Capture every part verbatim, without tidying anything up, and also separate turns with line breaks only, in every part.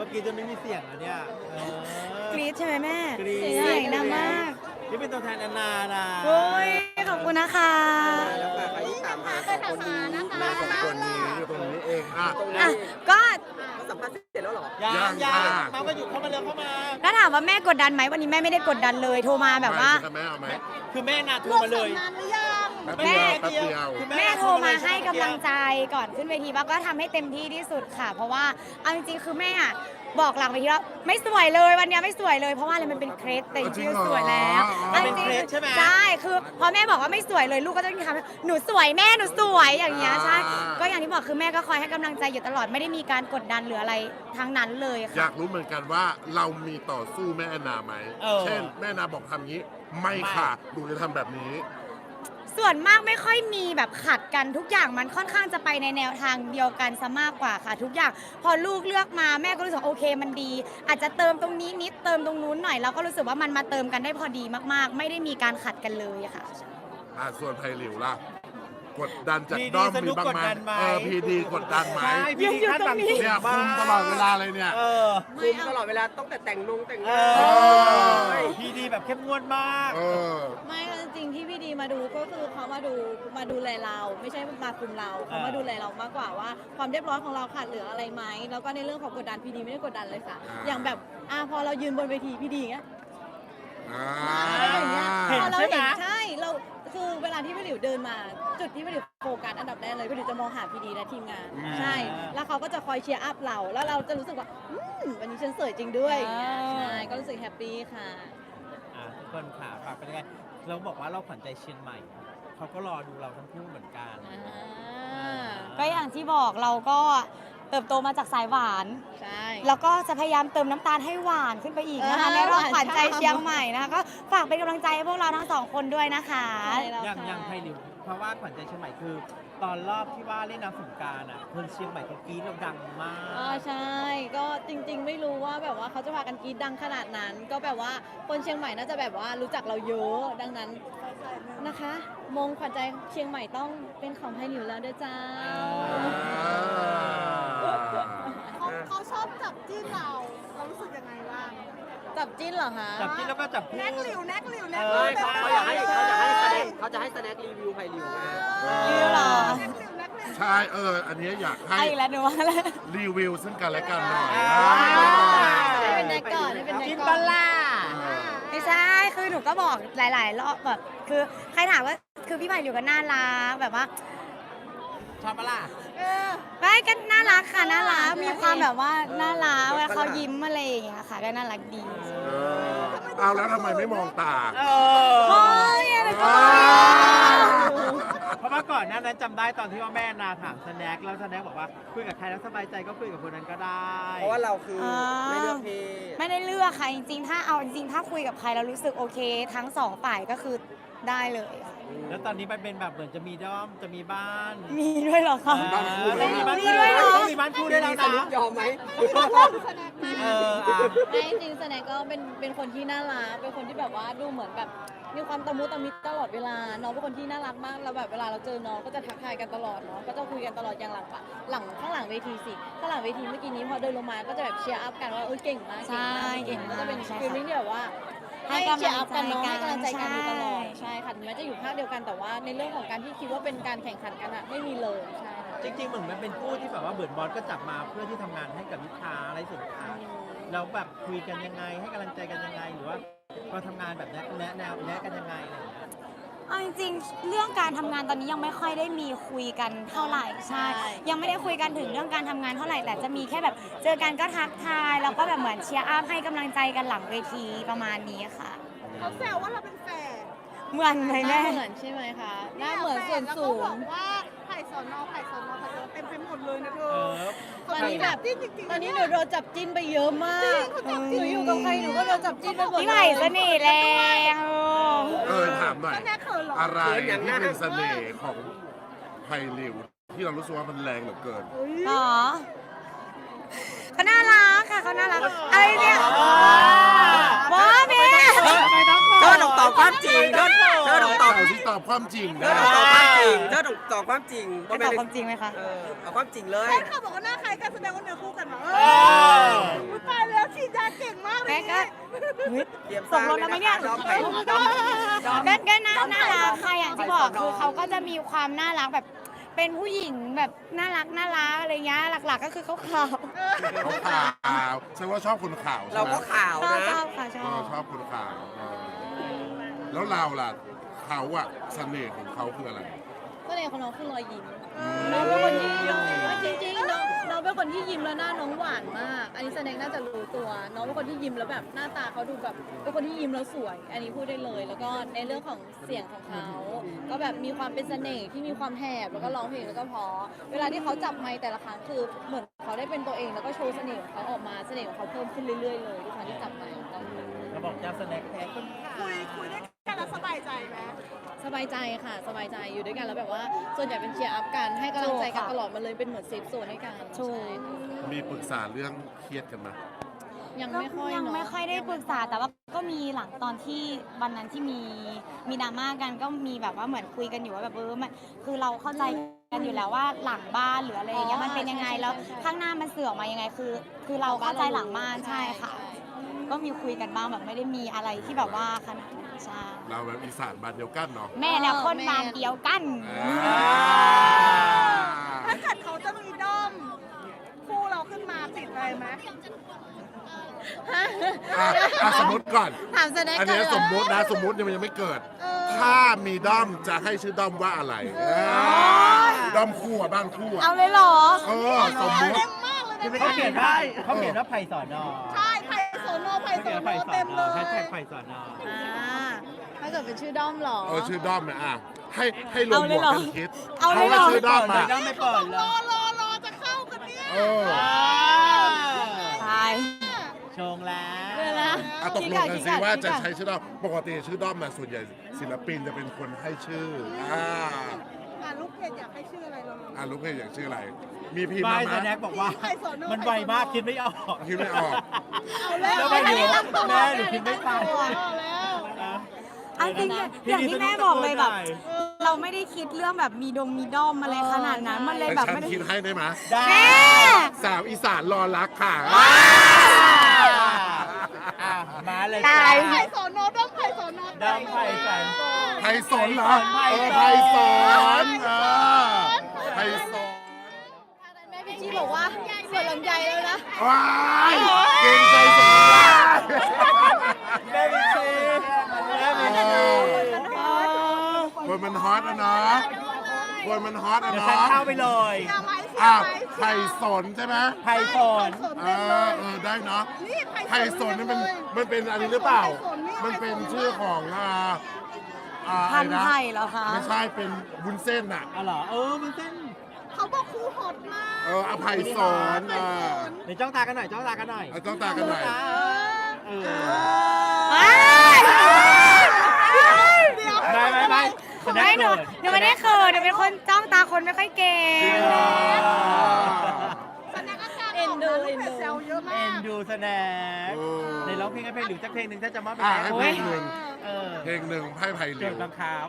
กรีดจนไม่มีเสียงแล้วเนี่ยเออก
รี๊ดใช่ไหมแม่
กรี๊ด
เสียงดังมาก
นี่เป็นตัวแทนแอนนานะ
โอ้ยขอบคุณนะคะ
แล้วค่ะใครที่ตามหาสองคนนี้มาสองคนนี้อยู่ตรงนี้เองอ่ะตรง
อ่ะ
นี้
ก็
ก็สัมภาษณ์เสร็จแล้วเหรอ
ยัง
ยั
ยัง
ค่ะ
มาก็อยู่เข้ามาเร็วเข้ามา
ถ้าถามว่าแม่กดดันไหมวันนี้แม่ไม่ได้กดดันเลยโทรมาแบบว่า
แม่เอาไหม
คือแม่นาโทรมาเลย
แป๊บเดียวแป๊บเดียว
คือ
แม่โทรมาให้กำลังใจก่อนขึ้นเวทีว่าก็ทำให้เต็มที่ที่สุดค่ะ เพราะว่าเอาจริงๆคือแม่อะบอกหลังเวทีแล้วไม่สวยเลยวันนี้ไม่สวยเลยเพราะว่าอะไรมันเป็นเครสแต่จริงๆสวยแล้ว
มันเป็น
จริง
เครสใช่ไหม
ใช่คือพอแม่บอกว่าไม่สวยเลยลูกก็จะทำหนูสวยแม่หนูสวยอย่างเงี้ยใช่ก็อย่างที่บอกคือแม่ก็คอยให้กำลังใจอยู่ตลอดไม่ได้มีการกดดันหรืออะไรทั้งนั้นเลย
อยา
ค่ะ
กรู้เหมือนกันว่าเรามีต่อสู้แม่แอนนาไหม
เออ
เช่นแม่แอนนาบอกทำงี้ ไม่ค่ะหนูจะทำแบบนี้
ส่วนมากไม่ค่อยมีแบบขัดกันทุกอย่างมันค่อนข้างจะไปในแนวทางเดียวกันซะมากกว่าค่ะ ทุกอย่างพอลูกเลือกมาแม่ก็รู้สึกโอเคมันดี อาจจะเติมตรงนี้นิดเติมตรงนู้นหน่อยเราก็รู้สึกว่ามันมาเติมกันได้พอดีมากๆ ไม่ได้มีการขัดกันเลยอะค่ะ
อ่าส่วนไพหลิวล่ะ กดดันจาก
พีดี
ด้อม
สนุ
มี
ก
บ้าง
กด
ไหม
ดันไหม
เออพีดีกดดันไหม
ใช่พี่ดีคาดหวังสูง
เนี่ยคุมตลอดเวลาเลยเนี่ย
เออ
คุมตลอดเวลาต้องแต่แต่งนงแต่ง
เอ
หน้า
อพีดีแบบเข้มงวดมาก
เออ
ไม่จริงๆที่พี่ดีมาดูก็คือเขามาดูมาดูแลเรา ไม่ใช่มาคุมเราเขามาดูแลเรามากกว่าว่าความเรียบร้อยของเราขาดเหลืออะไรไหมแล้วก็ในเรื่องของกดดันพี่ดีไม่ได้กดดันเลยค่ะ
อ่า
อย่างแบบอ่าพอเรายืนบนเวทีพี่ดีเงี้ย
อ่า
อย่างเงี้ย
เห็น
พอเรา
ใช่ไหม
เห็นใช่เราคือเวลาที่พี่หลิวเดินมา จุดที่พี่หลิวโฟกัสอันดับแรกเลยพี่หลิวจะมองหาพี่ดีและทีมงาน
อืม
ใช่ แล้วเขาก็จะคอยเชียร์อัพเรา แล้วเราจะรู้สึกว่าอืมวันนี้ฉันสวยจริงด้วย
อ่า
ใช่ก็รู้สึกแฮปปี้ค่ะ
อ่ะทุกคนค่ะฝากเป็นยังไงเราบอกว่าเราขวัญใจเชียงใหม่เขาก็รอดูเราทั้งคู่เหมือนกัน
ก็อย่างที่บอกเราก็เติบโตมาจากสายหวาน
ใช่
แล้วก็จะพยายามเติมน้ำตาลให้หวานขึ้นไปอีกนะคะ
เออ
ในรอบขวัญใจ
หวานฉ่ำ
เชียงใหม่นะคะก็ฝากเป็นกำลังใจให้พวกเราทั้งสองคนด้วยนะคะ
ใช่แล้ว
อย่าง
ค่ะ
อย่างไพลิวเพราะว่าขวัญใจเชียงใหม่คือ ตอนรอบที่ว่าเล่นน้ำสงกรารอ่ะคนเชียงใหม่เขากรี๊ดเราดังมาก
อ๋อใช่ ก็จริงๆ ไม่รู้ว่าแบบว่าเขาจะพากันกรีดดังขนาดนั้น ก็แบบว่าคนเชียงใหม่น่าจะแบบว่ารู้จักเราเยอะ ดังนั้นนะคะ มงขวัญใจเชียงใหม่ต้องเป็นของไทยหนิวแล้วเด้อจ้า
เขาชอบจับจิ้นเรา เรารู้สึกยังไงบ้าง
จับจิ้นเหรอคะ
จับที่แล้วก็จับคู่
แนกหลิวแนกหลิวแนก
เอ
หลิ
อ
ว
ไม่เขาเขาอยากให้เขาอยากให้แสดงเขาจะให้แสดงรีวิวไผ่หลิวไง
รีวิวเหรอ
แนกหลิวแนกหลิว
ใช่เออ อันนี้อยากให้
ไอ้แล้วหนูว่าแล้ว
รีวิวซึ่งกันและกันหน่อย
อ่า
ให้เป็นแนกก่อนให้เป็นแนก
กิน
ก่
บั
อน
ลล่า
ไม่ใช่คือหนูก็บอกหลาย ๆ รอบแบบคือใครถามว่าคือพี่ไผ่อยู่กันน่ารักแบบว่า
ชอบปะล่ะ
ไม่ก็น่ารักค่ะน่ารักมีความแบบว่าน่ารักเวลาเขายิ้มอะไรอย่างเงี้ยค่ะก็น่ารักดี
เออเอาแล้วทำไมไม่มองตา
เอ
โอ้
อย
อะไรก็
เพราะว่าก่อนหน้านั้นจำได้ตอนที่ว่าแม่นาถามสแน็คแล้วสแน็คบอกว่าคุยกับใครแล้วสบายใจก็คุยกับคนนั้นก็ได้
เพราะว่าเราคือไม่เลือกเพศ
ไม่ได้เลือกค่ะจริงๆ ถ้าเอาจริงๆ ถ้าคุยกับใครแล้วรู้สึกโอเค ทั้งสองฝ่ายก็คือได้เลยค่ะ
แล้วตอนนี้มันเป็นแบบเหมือนจะมีด้อมจะมีบ้าน
มีด้วยเหรอคะ
บ้านคู่
เออต้องมีบ้าน
มี
คู่
ด้วยเหรอ
ต้องมีบ้านคู่ด้วยแล้ว
สรุป
นะ
ยอมไหม
เอออ่ะ
ไม่จริงๆแสดงก็เป็นเป็นคนที่น่ารักเป็นคนที่แบบว่าดูเหมือนแบบมีความตะมุตะมิตลอดเวลาน้องเป็นคนที่น่ารักมากแล้วแบบเวลาเราเจอน้องก็จะทักทายกันตลอดเนาะก็จะคุยกันตลอดอย่างหลังปะหลังข้างหลังเวทีสิข้างหลังเวทีเมื่อกี้นี้พอเดินลงมาก็จะแบบเชียร์อัพกันว่าเออเก่งมาก
ใช่เก่งมาก
ก็จะเป็น
ใช่ค่ะ
ฟีลลิ่งที่แบบว่า
ให้
ให้
กำลัง
เชียร์อัพกันเนาะ
ใจ
ให้
กัน
กำลังใจกันอยู่ตลอด
ใช่
ใช่ค่ะถึงแม้จะอยู่ภาคเดียวกันแต่ว่าในเรื่องของการที่คิดว่าเป็นการแข่งขันกันอะไม่มีเลยใช่ค่ะ
จริงๆเหมือนมันเป็นคู่ที่แบบว่าเบิร์ดบอสก็จับมาเพื่อที่ทำงานให้กับลูกค้าอะไรสินค้าแล้วแบบคุยกันยังไงให้กำลังใจกันยังไง หรือว่าเราทำงานแบบแนะแนะแนวแนะกันยังไงอะไรอย่างเงี้ย
เอาจริงๆ เรื่องการทำงานตอนนี้ยังไม่ค่อยได้มีคุยกันเท่าไหร่ใช่ ยังไม่ได้คุยกันถึงเรื่องการทำงานเท่าไหร่แต่จะมีแค่แบบเจอกันก็ทักทายแล้วก็แบบเหมือนเชียร์อัพให้กำลังใจกันหลังเวทีประมาณนี้ค่ะ
เขาแซวว่าเราเป็นแฝด
เหมือนไหม
ห
แม่
น้าเหมือนใช่ไหมคะหน้าเหมือนส่วนสู
แล้ว
ง
ก็บอกว่าไผ่สอนอไผ่สอนอไผ่สอนอเต็มไปหมดเลยนะเธ
เอ
อ
อ
ตอนนี้แบบ
จิ้นจริงๆ
ตอนนี้หนูโดนจับจิ้นไปเยอะมาก
เขาจับจิ้น
หนูอยู่กับใครหนูก็โดนจับจิ้นไปหมด
พี่ไผ่เสน่ห์แรง
เออถามหน่อย
แนกเขินเหรอ
อะไรที่เป็นเสน่ห์ของไพลิวที่เรารู้สึกว่ามันแรงเหลือเกิน
หรอเขาน่ารักค่ะเขาน่ารักอะไรเนี่ยว้าแม่
เธอต้องตอบความจริงเธอเธอต้องตอบ
เอาที่ตอบความจริง
เธ
นะ
อต้องตอบความจริงเธอต้องตอบความจริง
จะตอบความจริงไหมคะ
เออเอาความจริงเลย
แฟนคลับบอกว่าหน้าคล้ายกันแสดงว่าเนื้อคู่กันเหรอ
เออ
เตรียม
ตกรถแล้วไหมเนี่ย
ด้อมไผ่ด้อมด้อม
ก็ก็น่าน่ารักค่ะอย่างที่บอกคือเขาก็จะมีความน่ารักแบบเป็นผู้หญิงแบบน่ารักน่ารักอะไรเงี้ยหลักๆก็คือเขาขาว
เขาขาวใช่ว่าชอบคนขาวใช่
เรา
ไหม
ก็ขาว
ชอบ
นะ
ชอบค่ะช
เอ
อ
อบ ชอบคนขาวเออแล้วเราล่ะเขาอะเสน่ห์ของเขาคืออะไร
ก็เลยของน้องคือรอยยิ้มน้องเป็นคนที่จริงๆน้องน้องเป็นคนที่ยิ้มแล้วหน้าน้องหวานมาก อันนี้แสดงน่าจะรู้ตัว น้องเป็นคนที่ยิ้มแล้วแบบหน้าตาเขาดูแบบเป็นคนที่ยิ้มแล้วสวย อันนี้พูดได้เลย แล้วก็ในเรื่องของเสียงของเขาก็แบบมีความเป็นเสน่ห์ที่มีความแหบแล้วก็ร้องเพลงแล้วก็เพอเวลาที่เขาจับไมค์แต่ละครั้งคือเหมือนเขาได้เป็นตัวเองแล้วก็โชว์เสน่ห์ของเขาออกมาเสน่ห์ของเขาเพิ่มขึ้นเรื่อยๆเลยทุกครั้งที่จับไมค์ของเขา
เราบอกเจ้าสแน็คแท้คนขาว
คุยคุยด้วยกันแล้วสบายใจไหม
สบายใจค่ะสบายใจอยู่ด้วยกันแล้วแบบว่าส่วนใหญ่เป็นเชียร์อัพกันให้กำลังใจกันตลอดมาเลยเป็นเหมือนเซฟโซนให้กัน
ถูก
ใช่
มีปรึกษาเรื่องเครียดกันไหม
ยังไม่ค่อย
ยัง
เนาะ
ไม่ค่อยได้ปรึกษาแต่ว่าก็มีหลังตอนที่วันนั้นที่มีมีดราม่ากันก็มีแบบว่าเหมือนคุยกันอยู่ว่าแบบเออมันคือเราเข้าใจกันอยู่แล้วว่าหลังบ้านหรืออะไรอย่างเงี้ยมันเป็นยังไงแล้วข้างหน้ามันเสื่อมมายังไงคือ คือเราเข้าใจหลังบ้านใช่ค่ะ ก็มีคุยกันบ้างแบบไม่ได้มีอะไรที่แบบว่าขนาดนั้นใช่
เราแบบอีสานบ้านเดียวกันเนาะ
แม่แล้วคนบ้านเดียวกัน
อ่า
ถ้าเกิดเขาจะมีด้อมคู่เราขึ้นมาติดอะไรไหม
อ่ะอ่ะสมมติก่อน
ถามแสดง
อัน
กั
นี้
น
สมมตินะสมมติเนี่ยมันยังไม่เกิด
เออ
ถ้ามีด้อมจะให้ชื่อด้อมว่าอะไรด้อมคู่อะบ้านคู่อะ
เอาเลยเหรอ
เออสมมติ
เต็มมากเลยนะ
เขาเขียนว่าเขาเขียนว่าไผ่สอนอ
ใช่ไผ่โสโนไผ่
เขา
โส
เขียน
โน
ว่าไผ่สอ
เต็ม
น
เล
อย แฮชแท็กไผ่สอนอ
อ่าถ้าเกิดเป็นชื่อด้อมเหรอ
เออชื่อด้อมเนี่ยอ่ะให้ให้รวม
เอา
ห
เล
ม
ยว เหร
ด
อ
กันคิด
เอาเลยเหรอ
ว่าชื่อด้อม
เลย
อะ
ด้อมไม่เปิดเล
รอย รอรอจะเข้ากันเนี่ย
เออ
ใช่
ชงแล้ว
เวลา
อ่ะตกลงกันสิว่าจะใช้ชื่อด้อมปกติชื่อด้อมมาส่วนใหญ่ศิลปินจะเป็นคนให้ชื่ออ่า
อ่ะลูกเพจอยากให้ชื่ออะไรเรา
อ่ะลูกเพจอยากชื่ออะไร มีพิมพ์
บา
มา
ย
ไหม
สแน็คบอกว่า
ไผ่โสโน
มันไวมากคิดไม่ออก
คิดไม่ออก
เอาแล้ว
แล้วไม่รู้แม่หนูคิดไม่ทัน
เอาแล้ว
เอาจริงๆอย่างที่แม่บอกเลยแบบ เราไม่ได้คิดเรื่องแบบมีดงมีด้อมอะไรขนาดนั้นมันเลย
แต่
แบบ
ฉัน
ไม่ได้
คิดให้ได้ไหม
ได้
แม่
สาวอีสานรอรักค่ะ
อ่ะมาเลย
ตาย
ไผ่โสโนด้อมไผ่โสโน
ด้อมไผ่สอน
ไทยสนเหรอ
ไท
เอย อ
สน
ไทยสนเออไทยสน
แม่พี่จี้บอกว่าส่วนลำไยแล้วนะ
ว้ายเก่งใจสนใจ
แม่บิซีแม่บิซี
คนมันฮอตอะเนาะคนมันฮอตอะ
เดี๋ยวฉัน
เนาะ
เข้าไปเลย
เชียร์ไหมเชีย
อ้า
ร์
ว
ไหม
ไทยสนใช่ไหม
ไผ่สอน
สน
เอ
เต็มเล
อย เออได้เนาะ
นี่
ไทยสนนี่มันมันเป็นอันนี้หรือเปล่า มันเป็นชื่อของอ่าอ่า
พัน
อะไรนะ
ไทยเหรอคะ
ไม่ใช่เป็นวุ้นเส้นอ่ะ
อ๋อเหรอเออมันเส้น
เขาบอกครูฮอตมาก
เอออภัยสนอ่า
เดี๋ยวจ้องตากันหน่อยจ้องตากันหน่อย
เอาต้องตากันหน่อย
เออ
เอ้ย
ไม่ไม่ไม่สแน็
ไม่
ค
หนู
เกิด
หนูไม่ได้เขินหนูเป็นคนจ้องตาคนไม่ค่อยเก่ง
แสดงอาการ
เอ็นดู
ลูกเพจแซวเยอะมา
เอ็น
ก
ดูสแน็ค
โอ้
ในร้องเพลงให้เพลงหรือสักเพลงหนึ่งถ้าจะมอบเป็น
อ่า
แน็ค
ให้
โอ้
เพล
ย
งหนึ่ง
เออ
เพลงหนึ่งไพ่ไผ่เห
เกิ
ลีย
ด
ว
บังคับ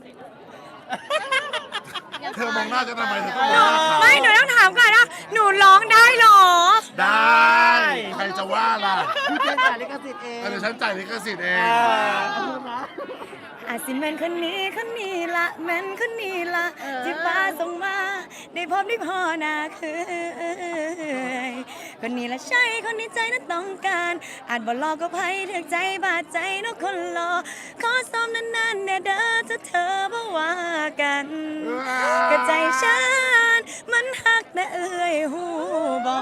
เธอมองหน้าจะทำไมเธอ
หนู
ไม่หนูต้องถามก่อนนะหนูร้องได้เหรอ
ได้ ใครจะว่าล่ะ
พี่เจนจ่ายลิขสิทธิ์เอง
เดี๋ยวฉันจ่ายลิขสิทธิ์เอง
เออ
อาจสิแม่นคนนี้คนนี้ละแม่นคนนี้ละ
เออ
ที่ป้าส่งมาได้พบได้พอนาคือ คนนี้ละใช่คนนี้ใจนั้นต้องการอาจบ่รอก็ไพ่ถึกใจบาดใจเนกคนรอขอซ้อมนานๆแน่เด้อถ้าเธอบ่ว่ากันก็ใจฉันมันหักแต่เอ่ยหูบอก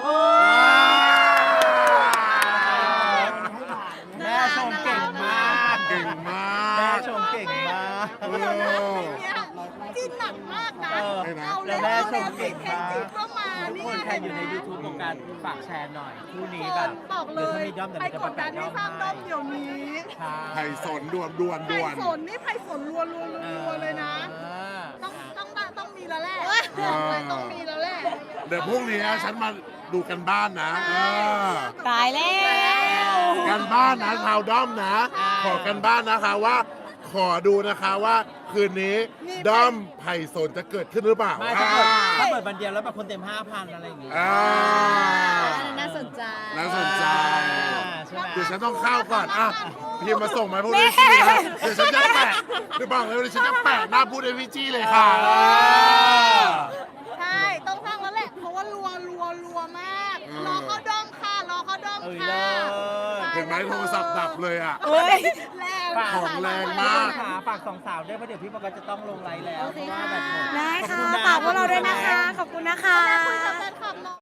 แม่ชมเก่งมาก
เก่งมา
แม่
ก
ชมเก่งมาก
โอ้
เนี่ยจิ้นหนักมากนะ
เออ
เอา
แล้ว
แล้ว
แม่
เอา
ช
แล้ว
มเก่ง
เพลง
มาก
จีบก็มา
ทุก
นี่
คนใครอยู่ใน
เห็นไหม
YouTube ของการฝากแชร์หน่อยคู่นี้
ค
แบ
น
บ
บอกเล
ดี๋วย ถ้ามีด้อมเดี๋ยว
ไป
เราจะ
ก
มา
ด
แปะ
ดันให้สร้างด้อมเดี๋ยวนี้
ไผ่สนด่วนด่วน
ไผ่
ด่วน
สนนี่ไผ่สนรัวรัวรัวเลยนะ ต้องต้องต้องต้องมีแล้วแหละบอกเลยต้องมีแล้วแหละ
เดี๋ยวพรุ่งนี้ฉันมาดูกันบ้านนะเออ
ตายแล้ว
กันบ้านนะชาวด้อมนะ ขอกันบ้านนะคะว่า ขอดูนะคะว่าคืนนี้ด้อมไผ่สนจะเกิดขึ้นหรือเปล่า
ไม่ถ้าเปิดถ้าเปิดวันเดียวแล้วแบบคนเต็มห้าพันอะไรอย่างงี้
อ่า
น่าสนใจ
น่าสนใจ
ใช่ไหม
ดูดี๋ยวฉันต้องเข้าก่อนอ่ะพิมพ์มาส่งมาพูดด้วยสินะเดี๋ยวฉันจะแปะเดี๋ยวบอกเลยเดี๋ยวฉันจะแปะหน้าพูดด้วยพี่จี้เลยค่ะ
ใช่ ต้องสร้างแล้วแหละ เพราะว่ารัวรัวรัวมาก รอเขาด้อมค่ะ รอเขาด้อม
เอ้ย
ค่ะ
เลย
เห็นไหมโทรศัพท์ดับเลยอ่ะ
เฮ้ย
แรง
ฝาก
ของแรงมาก
ฝฝากสองสาวด้วยเพราะเดี๋ยวพี่บอกว่าจะต้องลงไลน์แล้ว
โอเค
เพราะว่าแบบหมด
ได้ค่ะ
ขอบณน
ฝากพวกเราด้วยนะคะ ขอบคุณนะคะ
คุยกับแฟนคลับหน่อย